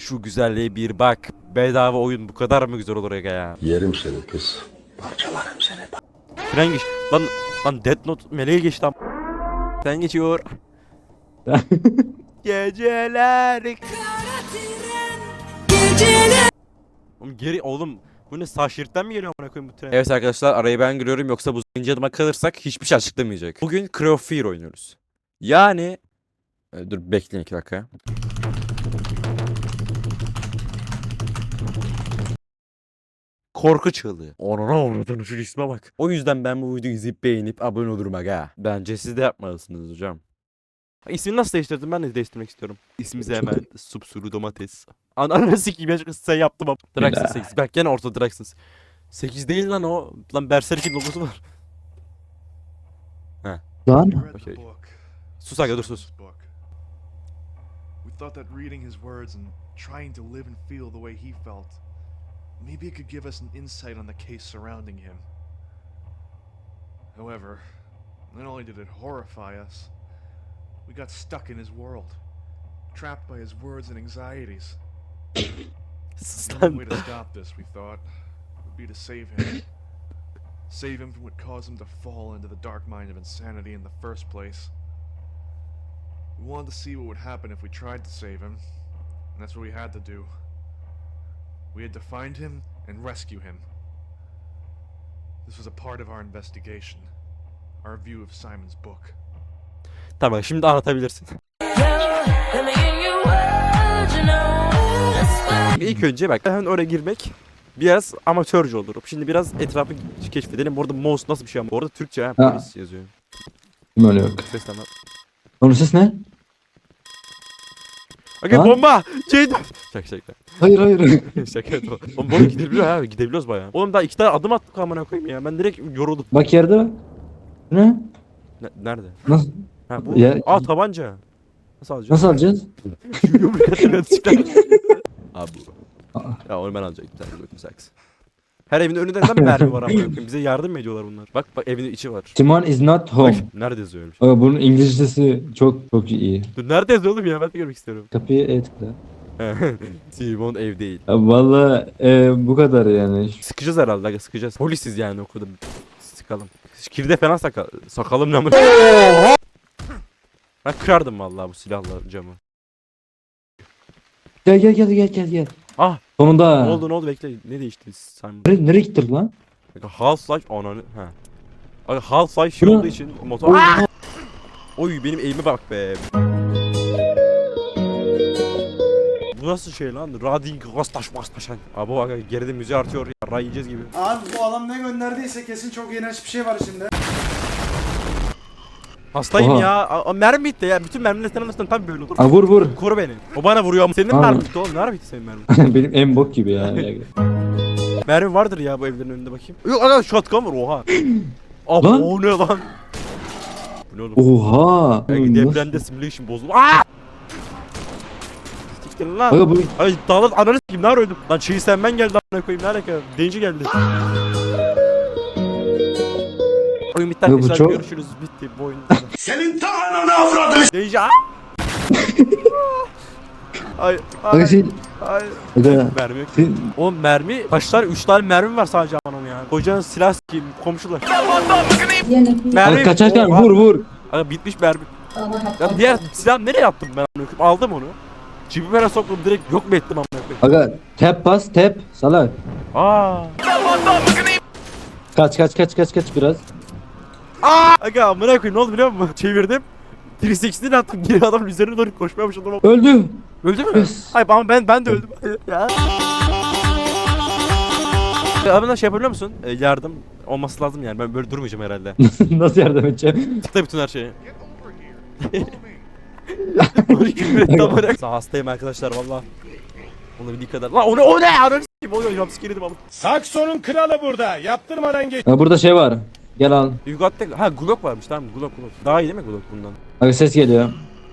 Şu güzelliğe bir bak. Bedava oyun bu kadar mı güzel olur ya? Yerim seni kız. Parçalarım seni. Tren geç. Lan Death Note meleğe geç lan. Tren geçiyor. Geceler. Oğlum bu ne, sağ şeritten mi geliyor amına koyayım bu tren? Evet arkadaşlar, arayı ben giriyorum, yoksa bu zincir adıma kalırsak hiçbir şey açıklamayacak. Bugün Cry of Fear oynuyoruz. Yani dur bekleyin 2 dakika. Korku çığlığı. Ona şu isme bak. O yüzden ben bu videoyu izleyip beğenip abone olurum aga. Bence siz de yapmalısınız hocam. İsmini nasıl değiştirdin? Ben de değiştirmek istiyorum. İsmimizi hemen Supsuru Domates. Ananı sikeyim ya, sen yaptım ama. Draxon 8. Bak gene orta Draxon. 8 değil lan o. Lan Berserk'in logosu var. He. Lan. Okay. Sus aga, dur sus. We thought that reading his words and trying to live and feel the way he felt, maybe it could give us an insight on the case surrounding him. However, not only did it horrify us, we got stuck in his world, trapped by his words and anxieties. The only way to stop this, we thought, would be to save him. Save him from what caused him to fall into the dark mind of insanity in the first place. We wanted to see what would happen if we tried to save him, and that's what we had to do. We had to find him and rescue him. This was a part of our investigation, our view of Simon's book. Tamam, şimdi anlatabilirsin. İlk önce bak, hemen oraya girmek biraz amatörce olur. Şimdi biraz etrafı keşfedelim. Orada mouse nasıl bir şey ama. Orada Türkçe ha, polis yazıyor. Kim öyle yok. Seslenme. Onun ses ne? Aga Ha? bomba! Şaka. Hayır hayır. Şaka et o. Oğlum burada gidebiliyor ha, gidebiliyoruz bayağı. Oğlum daha 2 tane adım attık amına koyayım ya. Ben direkt yoruldum. Bak yerde bak. Ne? Nerede? Nasıl? Ha bu. Ya- Tabanca. Nasıl alacağız? Nasıl alacağız? Yumruk atıyor çıkar. Abi bu. Ya onu ben alacaktım. Bir tane saks. Her evin önünde neden mermi var amına koyayım? Bize yardım mı ediyorlar bunlar? Bak evin içi var. Timon is not Bak, home. nerede yazıyor öyle bir şey? Ama bunun İngilizcesi çok iyi. Dur, nerede yazıyor oğlum ya? Ben de görmek istiyorum. Kapıya tıkla. Simon ev değil. Ya valla bu kadar yani. Sıkacağız herhalde aga, sıkacağız. Polisiz yani okulda. Sıkalım. Kirde falan sakalım ne mı? Ben kırardım vallahi bu silahla camı. Gel. Ah! Sonunda. Ne oldu bekle. Ne değişti Simon? Nereye gittin lan? Half-Life ananı. Ha. Aga Half-Life şey Bu ne? olduğu için motor. Oy benim eğime bak be. Bu nasıl şey lan? Rading Rastaş Mastaşan. Abi bak geride müziği artıyor ya. Ray yiyeceğiz gibi. Abi bu adam ne gönderdiyse kesin çok iğrenç bir şey var içinde. Hastayım Oha. ya. Mermi bitti ya. Bütün mermiler senin arasından tam böyle olur. Aa, vur. Koru beni. O bana vuruyor ama senin Abi. mermi bitti oğlum. Nerede bitti senin mermin? Benim en bok gibi ya. Mermi vardır ya bu evlerin önünde bakayım. Yok aga shotgun var oha. Abi Lan. o ne lan? Bu ne oğlum? Oha. Belki depremde simulation bozuldu. Aaa! Siktir lan. Aga bu Ay dağlar ananı s**eyim, nar öldüm. Lan şeyi sen ben geldi a**ına koyayım, ne alaka? Denci geldi. Oyun bitti Aga bu arkadaşlar, çok- görüşürüz, bitti bu oyun. Senin ta ananı avradını. Denci aaa! Ay aga şey ay. aga Mermi yok. şey- Oğlum mermi, kaç tane? 3 tane mermi var sadece anam ya. Kocanın silah s**eyim, komşular. Mermi. aga kaçarken Oha. vur. Aga bitmiş mermi. Ya diğer silah nereye attım ben amına koyayım? Aldım onu. Cebime soktum, direkt yok mu ettim amına koyayım? Aga tap salak. Aa! Kaç biraz. Aga amına koyayım, ne oldu biliyor musun? Çevirdim. 360'ni attım, geri adamın üzerine doğru koşmaya başladım. Öldü. Öldü mü? Yes. Hayır ama ben de öldüm. Ya. Abi şey yapabiliyor musun? Yardım olması lazım yani. Ben böyle durmayacağım herhalde. Nasıl yardım edeceğim? Tıkla bütün her şeyi. Get over here. Tamam. Hastayım arkadaşlar valla. Olabildiği kadar. Lan o ne? Ananı s**eyim. Oluyor jumpscare'dim ama. Sakson'un kralı burada. Yaptırmadan geç. Aga burada şey var. Gel al. Yugat'ta ha Glock varmış, tamam Glock. Daha iyi değil mi Glock bundan? Aga ses geliyor.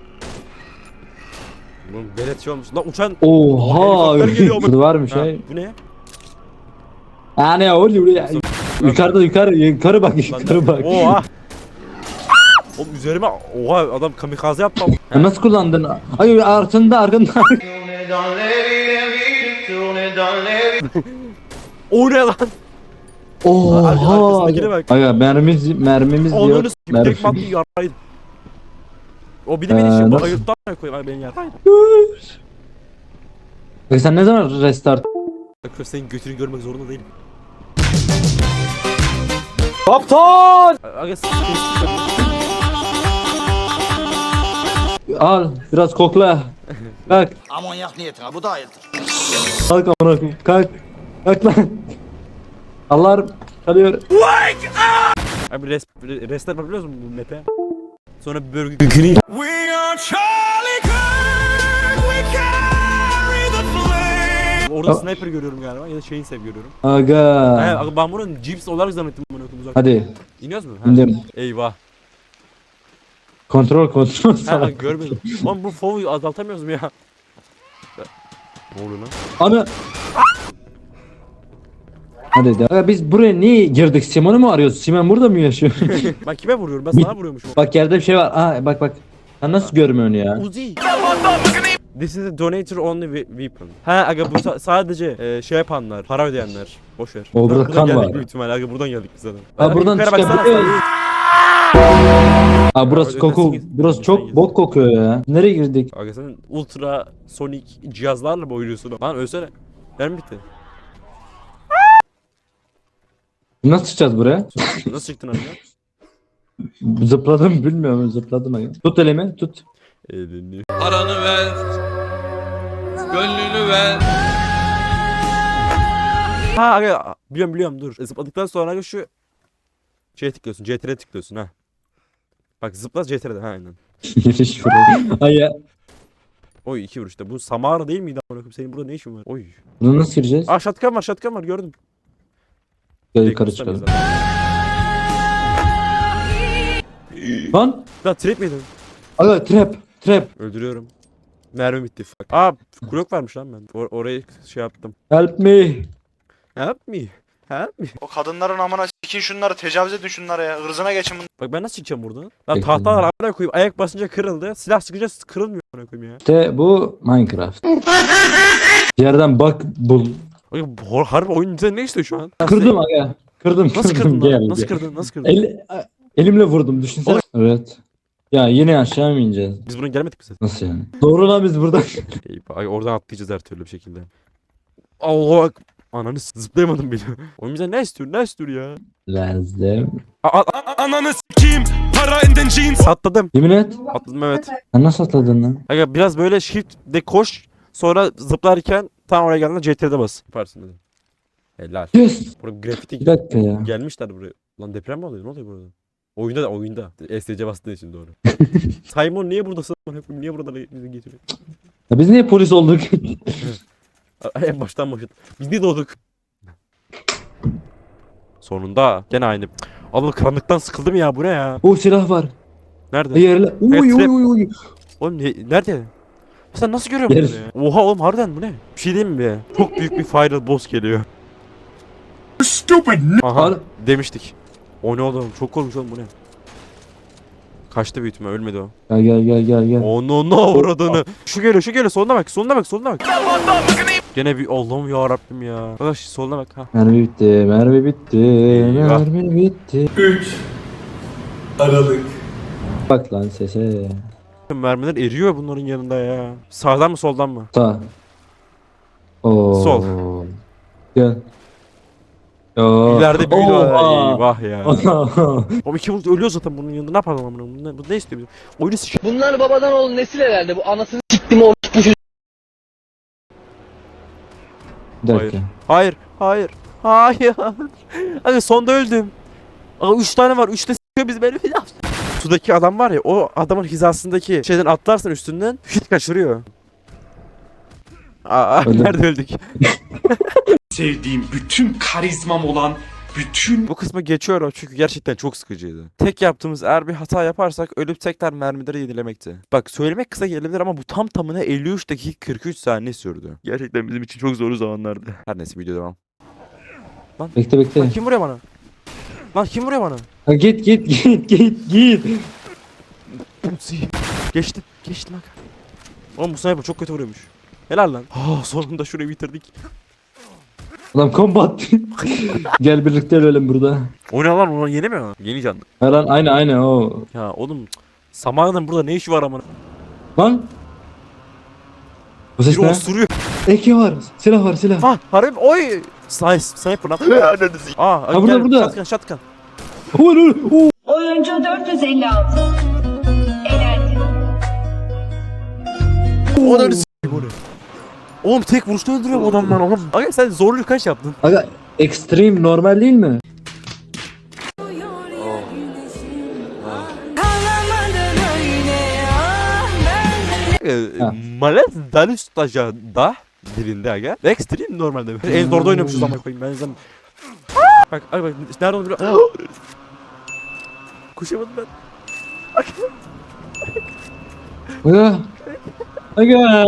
Bunun belet şey olmuş. Lan uçan Oha. helikopter geliyor ama. Burada var mı Ha, şey? bu ne? Ne oluyor ya? Yukarı bak yukarı bak. Oha. Oğlum üzerime oha adam kamikaze yaptı ama. Ya nasıl kullandın? Ay arkanda. O ne lan? Oha. Arkasındakine bak. Aga mermimiz diyor. Onu s**k direkt maddi yaraydı. O bir de beni şimdi nasıl? ayırttan koyayım beni yaraydı. Peki sen ne zaman restart? Bak senin götünü görmek zorunda değilim. Kaptan! Aga Al biraz kokla. Kalk. Amonyak niyetine bu da hayırdır. Kalk amına koyayım. Kalk. Kalk lan. Alarm çalıyor. Abi restart yapabiliyor musun bu map'e? Sonra bölge yükünü Orada sniper görüyorum galiba ya da şeyin sev görüyorum. Aga. Aga ben bunun Jeeps olarak zannettim bunu uzak. Hadi. İniyoruz mu? Ha. İndim. Eyvah. Kontrol Ha salak. görmedim. Oğlum bu FOV'u azaltamıyoruz mu ya? Ne oluyor lan? Ana. Hadi de. Aga biz buraya niye girdik? Simon'u mu arıyoruz? Simon burada mı yaşıyor? Ben kime vuruyorum? Ben sana vuruyormuşum. Bak yerde bir şey var. Aa bak. Sen nasıl görmüyorsun ya? Uzi. This is a donator only weapon. Ha aga bu sadece şey yapanlar, para ödeyenler. Boş ver. O burada Buradan kan geldik var. büyük ihtimalle. Aga buradan geldik biz zaten. Ha buradan yukarı baksana çıkabiliyoruz. Aa burası Öyle koku. kesin- Burası kesin çok gideceğiz. bok kokuyor ya. Nereye girdik? Aga sen ultra sonik cihazlarla mı oynuyorsun? Lan ölsene. Mermi bitti. Nasıl çıkacağız buraya? Nasıl çıktın abi? Zıpladım bilmiyorum zıpladım. Aga. Tut elimi tut. Elini. Paranı ver, gönlünü ver. Ha aga biliyorum dur. Zıpladıktan sonra aga şu şeye tıklıyorsun. CTR'ye tıklıyorsun ha. Bak zıpla CTR'de ha aynen. Giriş buraya. Ay ya. Oy 2 vuruşta. Bu Samara değil miydi amına koyayım? Senin burada ne işin var? Oy. Bunu nasıl gireceğiz? Aa shotgun var gördüm. Gel yukarı çıkalım. Lan. Lan trap miydin? Aga trap. Öldürüyorum. Mermi bitti. Fuck. Aa blok varmış lan ben. Orayı şey yaptım. Help me. Help me. Help me. O kadınların amına sikin şunları, tecavüz edin şunlara ya. Hırzına geçin bunu. Bak ben nasıl çıkacağım buradan? Lan Bekledim. tahtalar amına koyayım. Ayak basınca kırıldı. Silah sıkınca kırılmıyor amına koyayım ya. İşte bu Minecraft. Yerden bak bul. Bak harbi oyun bize ne istiyor şu an? Kırdım aga. Kırdım. Nasıl kırdın Gel, lan? Nasıl gel. kırdın? Nasıl kırdın? Elimle vurdum düşünsene. Evet. Ya yine aşağı mı ineceğiz? Biz buradan gelmedik mi zaten? Nasıl yani? Doğru lan biz buradan. Eyvah. Ay, oradan atlayacağız her türlü bir şekilde. Allah bak. Ananı zıplayamadım bile. Oyun bize ne istiyor? Ne istiyor ya? Lazım. Ananı s**eyim. Para inden jeans. Atladım. Yemin et. Atladım evet. Sen nasıl atladın lan? Aga biraz böyle shift de koş. Sonra zıplarken tam oraya geldiğinde CTR'de bas. Yaparsın dedim. Helal. Yes. Burada grafiti Bir dakika ya. gelmişler buraya. Lan deprem mi oluyor? Ne oluyor burada? Oyunda. STC bastığı için doğru. Simon niye buradasın? Niye burada bizi getiriyor? Ya biz niye polis olduk? En baştan başladı. Biz niye doğduk? Sonunda gene aynı. Allah karanlıktan sıkıldım ya bu ne ya? O silah var. Nerede? Yerle. Uy trap. uy. Oğlum nerede? Sen nasıl görüyorsun Yer- bunu ya? Oha oğlum harbiden bu ne? Bir şey diyeyim mi be? Çok büyük bir final boss geliyor. Stupid. Aha Al. demiştik. O ne oğlum? Çok korkunç oğlum bu ne? Kaçtı büyük ihtimal ölmedi o. Gel. Onu ne avradını. Şu geliyor soluna bak. Gene bir Allah'ım ya Rabbim ya. Arkadaş soluna bak ha. Mermi bitti. Eyvah. Mermi bitti. 3 Aralık. Bak lan sese. Mermiler eriyor bunların yanında ya. Sağdan mı soldan mı? Sağ. Oo. Sol. Gel. Oo. İleride büyüdü. Oha. Eyvah ya. O iki vurdu ölüyor zaten bunun yanında ne yapalım amına. Bu ne istiyor bizim? Oyunu sıçıyor. Bunlar babadan oğul nesil herhalde. Bu anasını siktim orospu çocuğu. Bir dakika. Hayır. Hadi sonda öldüm. Aa 3 tane var. 3 de s***yor biz beni. Sudaki adam var ya o adamın hizasındaki şeyden atlarsan üstünden hit kaçırıyor. Aa Öldüm. nerede öldük? Sevdiğim bütün karizmam olan bütün Bu kısmı geçiyorum çünkü gerçekten çok sıkıcıydı. Tek yaptığımız eğer bir hata yaparsak ölüp tekrar mermileri yenilemekti. Bak söylemek kısa gelebilir ama bu tam tamına 53 dakika 43 saniye sürdü. Gerçekten bizim için çok zor zamanlardı. Her neyse video devam. Bekle. Lan kim vuruyor bana? Lan kim vuruyor bana? Ha, git. Geçtim aga. Oğlum bu sniper çok kötü vuruyormuş. Helal lan. Oh, sonunda şurayı bitirdik. Adam combat. Gel birlikte ölelim burada. O ne lan? Onu yeni mi? Yeni canlı. Ha lan aynı o. Ya oğlum Samana'nın burada ne işi var amına? Lan. Bu ses Biri ne? osuruyor. Eki var. Silah var silah. Ha harbi oy. Sniper lan. Aa Ha, burada, burada. Shotgun shotgun. Oyuncu 456. Elendi. O da Oğlum tek vuruşta öldürüyor bu adam lan oğlum. Aga sen zorluğu kaç yaptın? Aga extreme normal değil mi? Ha. Malet Dalustaja da dilinde aga. Extreme normalde. En zorda oynamışız ama koyayım ben zaten. Bak ay bak nerede onu biliyor. Kuşamadım ben. Aga. Aga.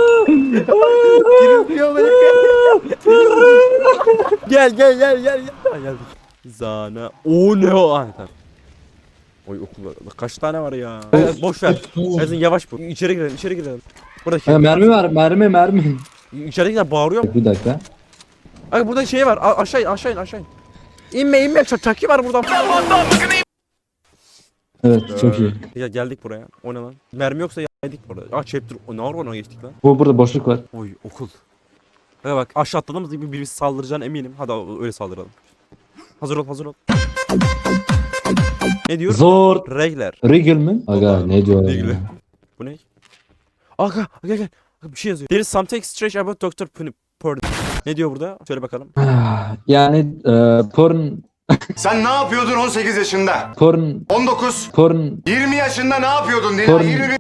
Gel. Ha, geldik. Zana. O ne o? Ah, tamam. Oy okul var. Kaç tane var ya? Boş ver. Ezin yavaş bu. İçeri girelim. Buradaki. Aga, mermi var mermi. İçeridekiler bağırıyor. Bir dakika. Ay burada şey var. Aşağı in. İnme. Çaki var burada. Evet çok iyi. Ya geldik buraya. O ne lan? Mermi yoksa yedik burada. Chapter. O ne var ona geçtik lan? Burada boşluk var. Oy okul. Hadi bak aşağı atladığımız gibi birisi saldıracağına eminim. Hadi öyle saldıralım. Hazır ol. Ne diyor? Zor. Regler. Regal mi? Aga Allah, ne diyor Regal. ya? Bu ne? Aga gel. Bir şey yazıyor. There is something strange about Dr. Purdy. Ne diyor burada? Söyle bakalım. Yani porn. Sen ne yapıyordun 18 yaşında? 19, Porn. 20 yaşında ne yapıyordun Dila? Porn. 21.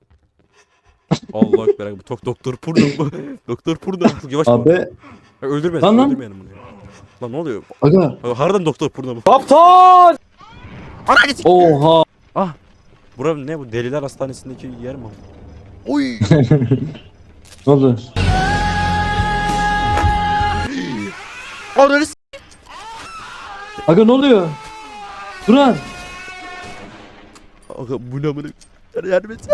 Allah ekber. Bu Doktor Purda bu. Doktor Purda. Yavaş ol. Abi. Öldürmeyelim. Lan. Öldürmeyelim bunu ya. Lan ne oluyor? Aga. Harbiden Doktor Purda bu. Kaptan. Ana git. Oha. Bura ne bu? Deliler hastanesindeki yer mi? Oy. Ne oldu? Ananı Aga ne oluyor? Duran. Aga bu ne amına? Yardım et.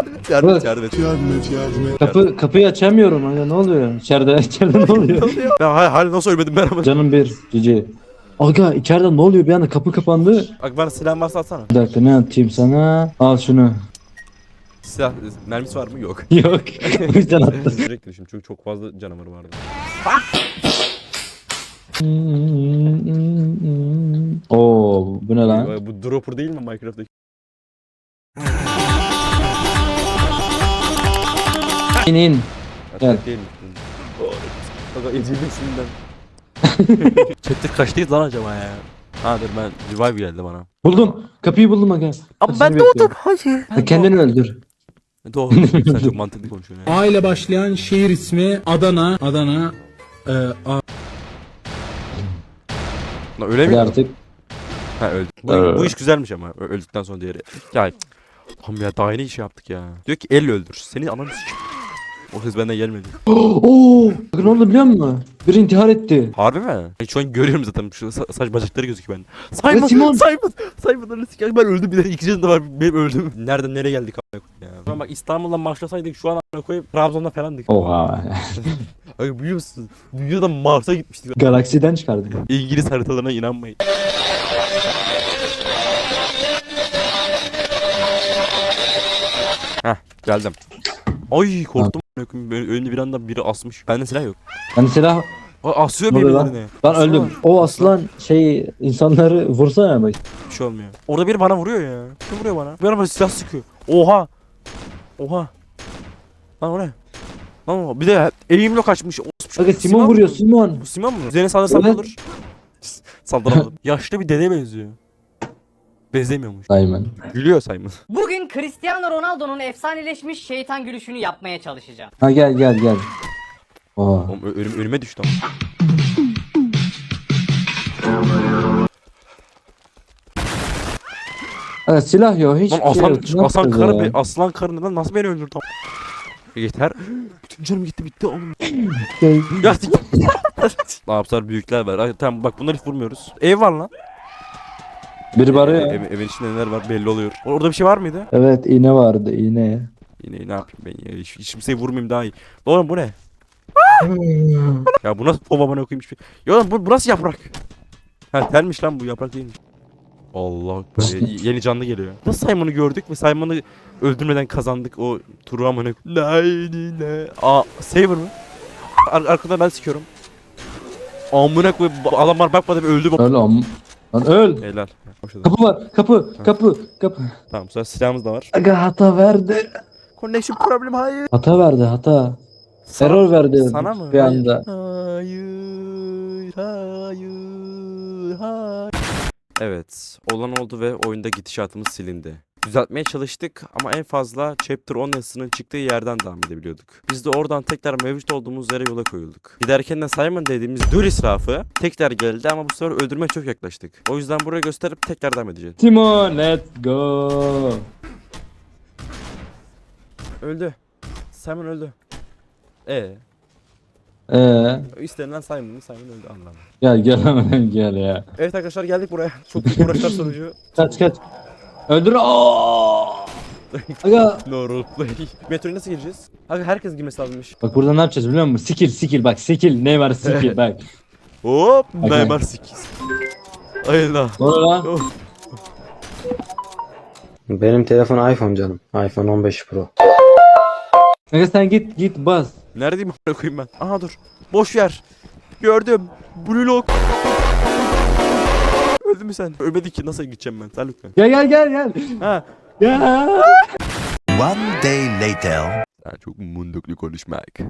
Kapıyı açamıyorum aga ne oluyor? İçeride ne oluyor? Ya hal nasıl ölmedim ben ama. Canım bir cici. Aga içeride ne oluyor bir anda kapı kapandı. Bak bana silah varsa atsana. Bir dakika ne atayım sana? Al şunu. Silah mermisi var mı? Yok. Yok. O yüzden attım. Sürekli şimdi çünkü çok fazla canavarı vardı. Oo bu ne lan? Bu dropper değil mi Minecraft'taki? İnin. Gel. Değil mi? Bak ezilmesinden. Chapter kaçtayız lan acaba ya? Ha dur ben revive geldi bana. Buldum. Kapıyı buldum aga. Ama Seni ben bekliyorum. doğdum. Hayır. Ha, kendini öldür. Doğru. Sen çok mantıklı konuşuyorsun ya. A ile başlayan şehir ismi Adana. Lan öyle Hadi mi? artık. Ha öldü. Bu iş güzelmiş ama öldükten sonra diğeri. Ya tamam ya daha yeni iş yaptık ya. Diyor ki elle öldür. Seni ananı s***. O ses benden gelmedi. Oo! Bakın ne oldu biliyor musun? Biri intihar etti. Harbi mi? Şu an görüyorum zaten şu saç bacakları gözüküyor bende. Evet, Simon. Simon öyle s***. Ben öldüm bir de ikinci de var benim öldüm. Nereden nereye geldik a**a koyayım ya. Şu an bak İstanbul'dan başlasaydık şu an a**a koyup Trabzon'da falandık. Oha. Abi biliyor musun? Dünyadan Mars'a gitmiştik. Galaksiden çıkardık. İngiliz haritalarına inanmayın. Heh geldim. Ay korktum. Önünde bir anda biri asmış. Bende silah yok. Hani silah Asıyor ne oluyor lan? birbirlerine. Ben öldüm. O aslan insanları vursana bak. Bir şey olmuyor. Orada biri bana vuruyor ya. Kim vuruyor bana? Bir bana silah sıkıyor. Oha. Lan o ne? Lan o. Bir de eğimle kaçmış. Aga Simon vuruyor Simon. Bu Simon mu? Üzerine saldırırsan ne Evet. olur? Saldıramadım. Yaşlı bir dede benziyor. Benzemiyormuş. Simon. Gülüyor Simon. Bugün Cristiano Ronaldo'nun efsaneleşmiş şeytan gülüşünü yapmaya çalışacağım. Ha gel. Oha. Oğlum, önüme düştü ama. Aga silah yok hiç Lan şey yok. Ne aslan yapacağız karı ya? aslan karı neden nasıl beni öldürdü? Yeter. Bütün canım gitti oğlum. Şey, Ya ne yaptılar büyükler var. Ay, tamam bak bunları hiç vurmuyoruz. Ev var lan. biri var ya. Evin içinde neler var belli oluyor. Orada bir şey var mıydı? Evet iğne vardı iğne. Yine ne yapayım ben ya? Hiç kimseyi vurmayayım daha iyi. Oğlum bu ne? Ya bu nasıl babamına koyayım hiçbir. Ya oğlum bu nasıl yaprak? Ha telmiş lan bu, yaprak değilmiş. Allah yeni canlı geliyor. Nasıl Simon'u gördük ve Simon'u öldürmeden kazandık o turu amına. La ilahe. Aa Saber mı? Arkada ben sikiyorum. Amına koy adamlar bakmadı ve öldü bu. Öl am. Lan öl. Helal. Başladı. Kapı var. Kapı. Tamam sonra silahımız da var. Aga hata verdi. Connection problem hayır. Hata verdi hata. Error verdi. Sana mı? Bir anda. Hayır. Evet. Olan oldu ve oyunda gidişatımız silindi. Düzeltmeye çalıştık ama en fazla Chapter 10 yazısının çıktığı yerden devam edebiliyorduk. Biz de oradan tekrar mevcut olduğumuz yere yola koyulduk. Giderken de Simon dediğimiz dur israfı tekrar geldi ama bu sefer öldürmeye çok yaklaştık. O yüzden buraya gösterip tekrar devam edeceğiz. Timon let's go. Öldü. Simon öldü. İstenilen Simon öldü anlamı. Gel hemen gel ya. Evet arkadaşlar geldik buraya. Çok büyük uğraşlar sonucu. Kaç. Öldür. Aga. No roleplay. Metroya nasıl gireceğiz? Abi herkes girmesi lazımmış. Bak burada ne yapacağız biliyor musun? Skill bak skill. Ne var skill bak. Hop. Okay. Neymar 8. Ayla. Ne oluyor lan? Benim telefon iPhone canım. iPhone 15 Pro. Aga sen git bas. Neredeyim a**ına koyayım ben? Aha dur. Boş yer. Gördüm. Blue lock. Öldün mü sen? Ölmedi ki nasıl gideceğim ben? Sen lütfen. Gel. Ha. Gel. One day later. Sen çok munduklu konuşmak.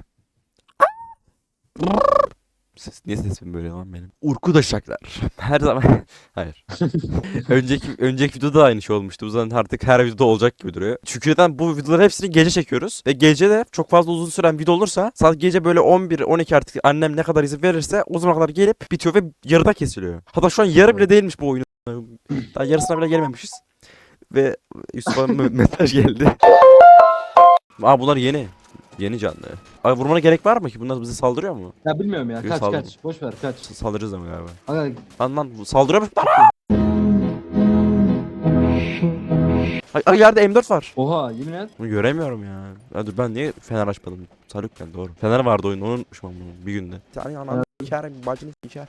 Niye sesim böyle lan benim? Urkudaşaklar. Her zaman. Hayır. önceki videoda da aynı şey olmuştu. Bu zaman artık her videoda olacak gibi duruyor. Çünkü neden bu videoları hepsini gece çekiyoruz. Ve gece de çok fazla uzun süren video olursa saat gece böyle 11-12 artık annem ne kadar izin verirse o zamana kadar gelip bitiyor ve yarıda kesiliyor. Hatta şu an yarı bile değilmiş bu oyunun. Daha yarısına bile gelmemişiz. Ve Yusuf'a mesaj geldi. Aa bunlar yeni. Yeni canlı. Abi vurmana gerek var mı ki? Bunlar bize saldırıyor mu? Ya bilmiyorum ya. Yok, saldırı. Kaç. Boş ver kaç. Saldırırız ama galiba. Aga Lan saldırıyor mu? Ay yerde M4 var. oha yemin et. Bunu göremiyorum ya. Ya dur ben niye fener açmadım? Salükken doğru. Fener vardı oyunda onu unutmuşum bunu bir günde. Yani anam içer bacını içer.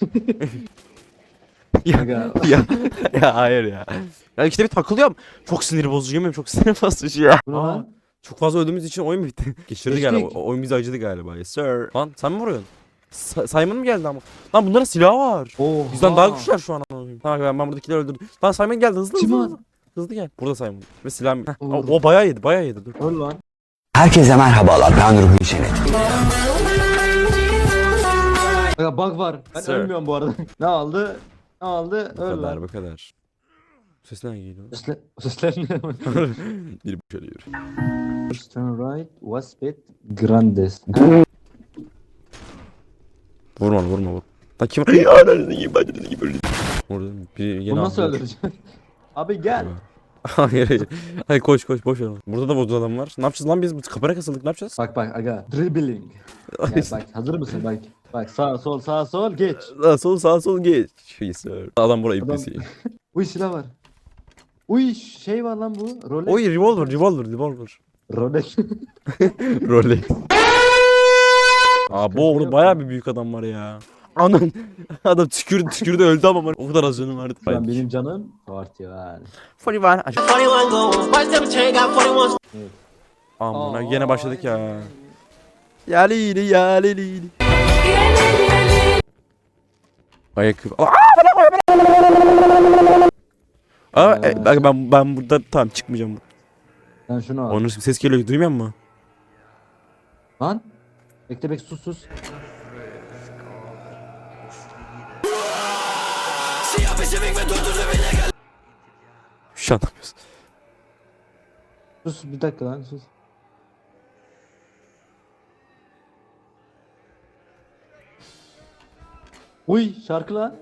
Aga. ya hayır ya. Ya işte bir takılıyorum. Çok sinir bozucu yemin çok sinir bozucu ya. Bu ne lan? Çok fazla öldüğümüz için oyun mu bitti? Geçirdi Geçtik. galiba. Oyun bizi acıdı galiba. Yes sir. Lan sen mi vuruyorsun? Simon mu geldi ama? Lan bunların silahı var. Oha. Bizden daha güçler şu an. Tamam ben buradakileri öldürdüm. Lan Simon geldi hızlı. Simon. Hızlı gel. Burada Simon. Ve silah. Heh, Olur. o bayağı yedi. Dur. Öl lan. Herkese merhabalar, ben Ruhi Çenet. Aga bug var. Ben Sir. ölmüyorum bu arada. Ne aldı? Bu Öl kadar lan. bu kadar. Ses ne geliyor? Sesler ne? Bir şöyle Turn right, Waspet, Grandes. Vurma. Lan kim? Ananı gibi bacını gibi öldü. Orada bir yeni Bunu nasıl aldı. öldüreceksin? Abi gel. Hayır. Hadi koş boş ver. Burada da bozdu adam var. Ne yapacağız lan biz? Kapana kasıldık ne yapacağız? Bak aga. Dribbling. Ya bak hazır mısın bak. Bak sağ sol geç. Sağ sol geç. Sir. Adam buraya Adam- iplesi. Uy silah var. Uy şey var lan bu. Rolex. Oy revolver. Rolex. Rolex. Aa bu orada bayağı bir büyük adam var ya. Anan adam tükürdü öldü ama o kadar az canım vardı. Lan benim canım artıyor yani. 41. Amına gene başladık ya. Yalili. Ayakkabı. Ben burada tamam çıkmayacağım. Sen şunu al. Onun ses geliyor duymuyor musun? Lan. Bekle sus. Şu an yapıyorsun. Sus bir dakika lan sus. Uy şarkı lan.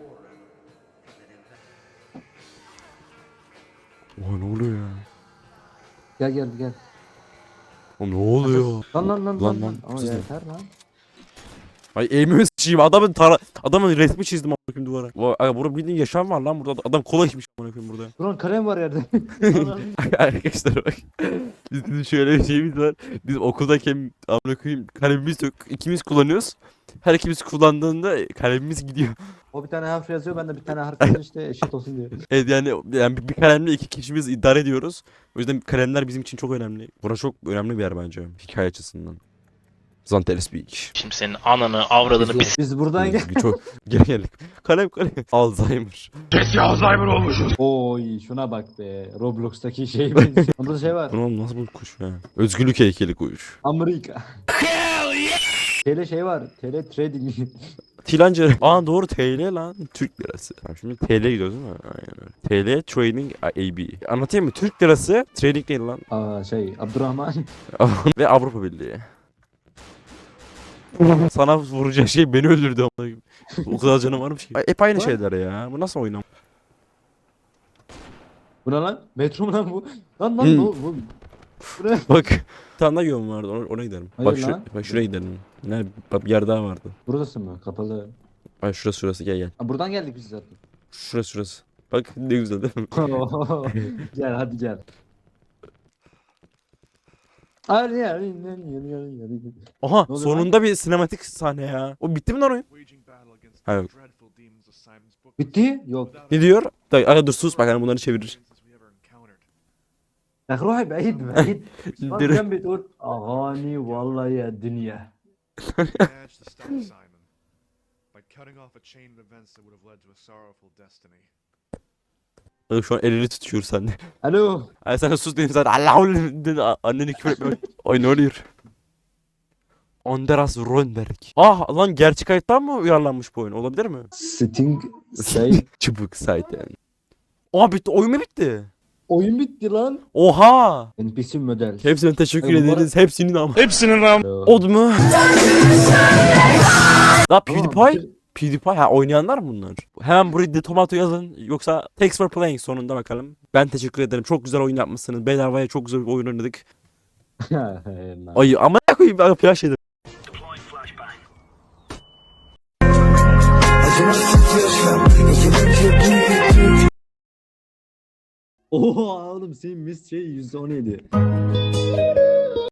Oha ne oluyor ya? Gel. O ne oluyor? Lan. Lan, Ama siz ne? yeter lan. Ay eğimi sıçayım. Adamın resmi çizdim amına koyayım duvara. Aga burada bildiğin yaşam var lan burada. Adam kola içmiş amına koyayım burada. Buran kalem var yerde. Arkadaşlar bak. Bizim şöyle bir şeyimiz var. Biz okuldayken amına koyayım kalemimiz yok. İkimiz kullanıyoruz. Her ikimiz kullandığında kalemimiz gidiyor. O bir tane harf yazıyor, ben de bir tane harf yazıyor işte eşit olsun diye. Evet yani bir kalemle iki kişimiz idare ediyoruz. O yüzden kalemler bizim için çok önemli. Burası çok önemli bir yer bence hikaye açısından. Zantel Speak. Şimdi senin ananı avradını Biz buradan gel. Çok geri geldik. Kalem. Alzheimer. Oy şuna bak be. Roblox'taki şey benziyor. Burada şey var. Ulan nasıl bu kuş ya? Özgürlük heykeli kuş. Amerika. TL şey var. TL trading. Tilancı. Aa doğru TL lan. Türk lirası. Tamam, şimdi TL gidiyoruz değil mi? Aynen öyle. TL Trading AB. Anlatayım mı? Türk lirası trading değil lan. Aa şey Abdurrahman. Ve Avrupa Birliği. Sana vuracağı şey beni öldürdü amına koyayım. O kadar canım varmış ki. Hep aynı şeyler ya. Bu nasıl oynam? Bu ne lan? Metro mu lan bu? Lan bu. Bu ne? Bak. Bir tane daha yolum vardı. Ona gidelim. Hayır lan. Bak şuraya gidelim. Ne? Bak bir yer daha vardı. Burası mı? Kapalı. Ay şurası gel. Aa, buradan geldik biz zaten. Şurası. Bak ne güzel değil mi? Gel hadi gel. Hadi. Aha Ne oluyor sonunda bir sinematik sahne ya. O bitti mi lan oyun? Waging battle against Hayır. the dreadful demons of Simon's book. Bitti? Yok. Ne diyor? Dur sus bak hani bunları çevirir. We ever encountered. Ya روحي بعيد بعيد. Bak Direkt- جنبي تقول أغاني والله يا دنيا. Managed to stop Simon by cutting off a chain of events that would have led to a sorrowful destiny. Bak şu an elini tutuyor sende. Alo. Ay sen sus dedim zaten. Allah'ım dedi anneni küfür etme. Ay ne oluyor? Anders Rönnberg. Ah lan gerçek hayattan mı uyarlanmış bu oyun? Olabilir mi? Sting say. Çubuk zaten. Aa bitti. Oyun mu bitti? Oyun bitti lan. Oha! NPC model. Hepsine teşekkür Ay, bu ederiz. Hepsinin ama. Hepsinin ram. Od mu? La PewDiePie ha oynayanlar mı bunlar? Hemen buraya The Tomato yazın yoksa Thanks for playing sonunda bakalım. Ben teşekkür ederim. Çok güzel oyun yapmışsınız. Bedavaya çok güzel bir oyun oynadık. Ay ama ne koyayım ben flash yedim. Oha oğlum senin mis şey %17.